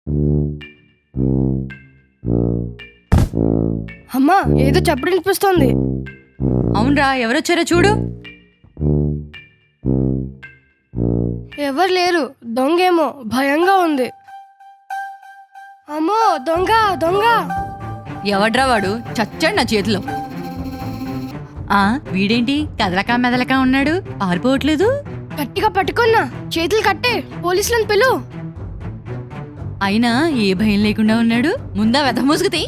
అమ్మా, ఏదో చప్పుడు వినిపిస్తోంది. అవునరా, ఎవరొచ్చారో చూడు. ఎవరు లేరు. దొంగేమో, భయంగా ఉంది. అమ్మో, దొంగ దొంగ. ఎవడ్రా వాడు? చచ్చాడు నా చేతిలో. వీడేంటి కదలకా మెదలకా ఉన్నాడు, పారిపోవట్లేదు. గట్టిగా పట్టుకున్నా, చేతులు కట్టే, పోలీసులను పిలు. అయినా ఏ భయం లేకుండా ఉన్నాడు. ముందా వెతమూసుకుతి.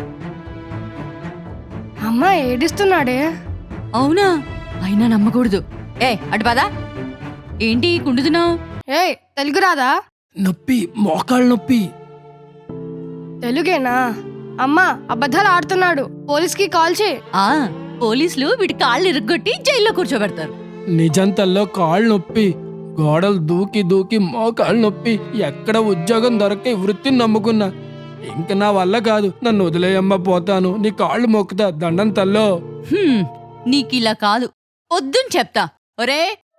అమ్మా ఏడుస్తున్నాడే. అవునా? అయినా నమ్మకూడదు. అటు పదా. ఏంటి కుండుతున్నావు? తెలుగు రాదా? నొప్పి, మోకాళ్ళ నొప్పి. తెలుగేనా? అమ్మా అబద్ధాలు ఆడుతున్నాడు, పోలీస్కి కాల్ చేయి. పోలీసులు వీడి కాళ్ళు ఇరుగ్గొట్టి జైల్లో కూర్చోబెడతారు. నిజంతల్లో కాళ్ళు నొప్పి, గోడలు దూకి దూకి మోకాళ్ళు నొప్పి. ఎక్కడ ఉద్యోగం దొరకే వృత్తిని నమ్ముకున్నా. ఇంక నా వల్ల కాదు, నన్ను వదిలేయమ్మ, పోతాను. నీ కాళ్ళు మొక్కుతా, దండం తల్లో. నీకిలా కాదు, పొద్దున చెప్తా. ఒరే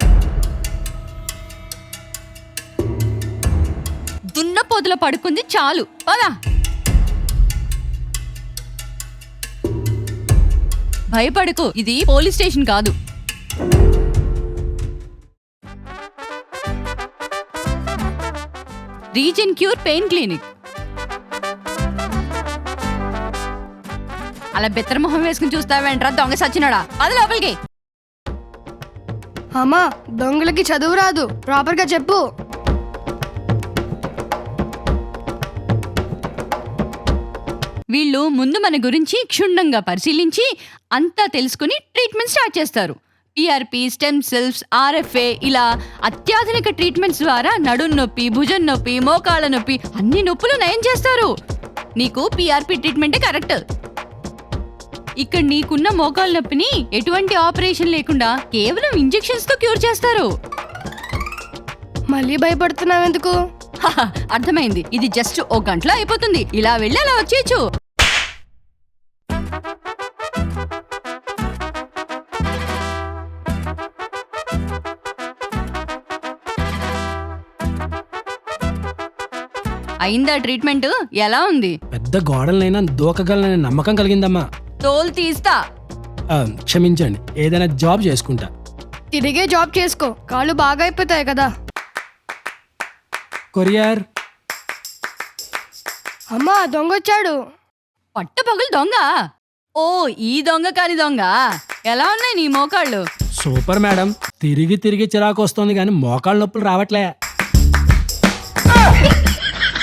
దున్న పొదలో పడుకుంది చాలు, పదా. భయపడకు, ఇది పోలీస్ స్టేషన్ కాదు. Reason cure pain clinic. అలా బెత్తరమొహం వేసుకుని చూస్తావేంట్రా దొంగ సచ్చినాడా? అది లోపలికి. అమ్మా, దొంగలకి చదువు రాదు, ప్రాపర్ గా చెప్పు. వీళ్ళు ముందు మన గురించి క్షుణ్ణంగా పరిశీలించి అంతా తెలుసుకుని ట్రీట్మెంట్ స్టార్ట్ చేస్తారు. పిఆర్పి, స్టెమ్ సెల్స్, ఆర్ఎఫ్ఏ, ఇలా అత్యాధునిక ట్రీట్మెంట్స్ ద్వారా నడుం నొప్పి, భుజం నొప్పి, మోకాళ్ళ నొప్పి అన్ని నొప్పులు నయం చేస్తారు. నీకు పిఆర్పి ట్రీట్మెంటే కరెక్ట్. ఇక్కడ నీకున్న మోకాళ్ళ నొప్పిని ఎటువంటి ఆపరేషన్ లేకుండా కేవలం ఇంజెక్షన్స్ తో క్యూర్ చేస్తారు. మళ్ళీ భయపడుతున్నావెందుకు? అర్థమైంది, ఇది జస్ట్ ఓ గంటలో అయిపోతుంది. ఇలా వెళ్ళి అలా వచ్చేయచ్చు. అయిందా ట్రీట్మెంట్? ఎలా ఉంది? పెద్ద గోడలనైనా దూకగలననే నమ్మకం కలిగిందమ్మా. తోలు తీస్తా. క్షమించండి, ఏదైనా జాబ్ చేసుకుంటా. తిరిగే జాబ్ చేసుకో, కాళ్ళు బాగా అయిపోతాయి కదా. కొరియర్. అమ్మా, దొంగొచ్చాడు. పట్టపగలు దొంగ? ఓ, ఈ దొంగ కాని దొంగ. ఎలా ఉన్నాయి నీ మోకాళ్ళు? Super madam. తిరిగి తిరిగి చిరాకు వస్తుంది కానీ మోకాళ్ళ నొప్పులు రావట్లే.